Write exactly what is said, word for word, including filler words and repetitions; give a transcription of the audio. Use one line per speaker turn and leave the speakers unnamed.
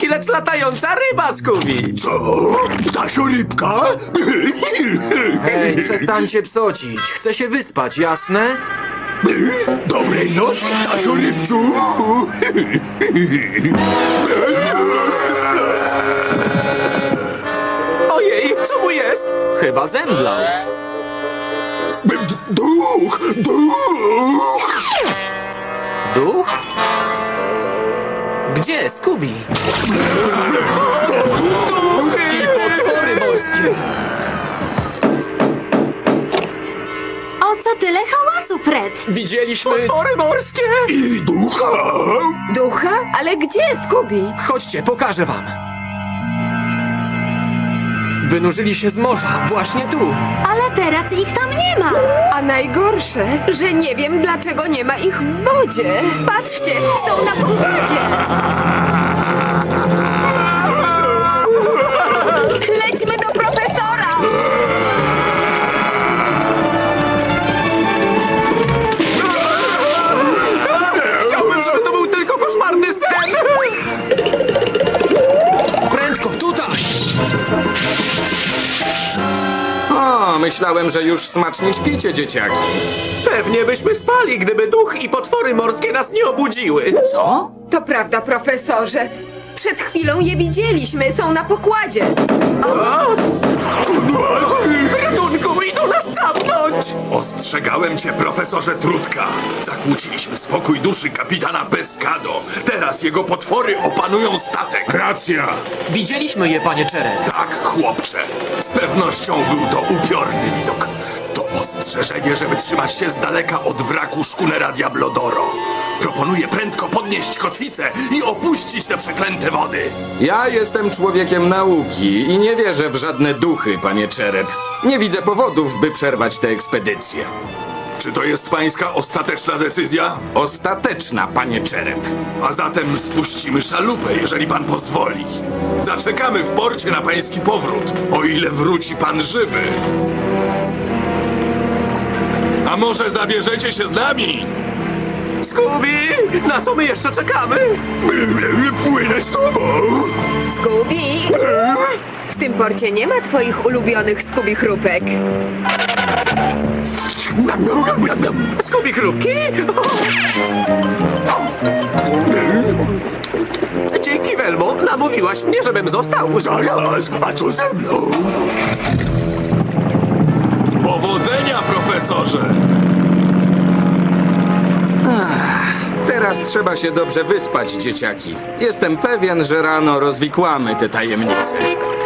morski, lecz latająca ryba, Scooby!
Co? Ptasio rybka?
Hej, przestańcie psocić. Chcę się wyspać, jasne?
Dobrej nocy, ptasio rybciu!
Ojej, co mu jest?
Chyba zemdlał.
Duch! Duch!
Duch? Gdzie, Scooby? I potwory morskie.
O co tyle hałasu, Fred?
Widzieliśmy...
Potwory morskie!
I ducha!
Ducha? Ale gdzie, Scooby?
Chodźcie, pokażę wam. Wynurzyli się z morza, właśnie tu.
Ale teraz ich tam nie ma.
A najgorsze, że nie wiem, dlaczego nie ma ich w wodzie. Patrzcie, są na pokładzie. Lećmy do profesora!
Chciałbym, żeby to był tylko koszmarny sen!
Prędko, tutaj! O, myślałem, że już smacznie śpicie, dzieciaki.
Pewnie byśmy spali, gdyby duch i potwory morskie nas nie obudziły.
Co?
To prawda, profesorze. Przed chwilą je widzieliśmy, są na pokładzie.
Ratunku, idą nas capnąć!
Ostrzegałem cię, profesorze Trudka. Zakłóciliśmy spokój duszy kapitana Pescado. Teraz jego potwory opanują statek. Racja.
Widzieliśmy je, panie Czerep.
Tak, chłopcze. Z pewnością był to upiorny widok. To ostrzeżenie, żeby trzymać się z daleka od wraku szkunera Diablodoro. Proponuję prędko podnieść kotwicę i opuścić te przeklęte wody.
Ja jestem człowiekiem nauki i nie wierzę w żadne duchy, panie Czerep. Nie widzę powodów, by przerwać tę ekspedycję.
Czy to jest pańska ostateczna decyzja?
Ostateczna, panie Czerep.
A zatem spuścimy szalupę, jeżeli pan pozwoli. Zaczekamy w porcie na pański powrót, o ile wróci pan żywy. A może zabierzecie się z nami?
Scooby, na co my jeszcze czekamy?
Płynę z tobą.
Scooby! W tym porcie nie ma twoich ulubionych Scooby chrupek.
Nam, nam, nam, nam, nam.
Scooby chrupki? Dzięki, Welmo. Namówiłaś mnie, żebym został.
Zaraz, a co ze mną? Powodzenia, profesorze!
Teraz trzeba się dobrze wyspać, dzieciaki. Jestem pewien, że rano rozwikłamy te tajemnice.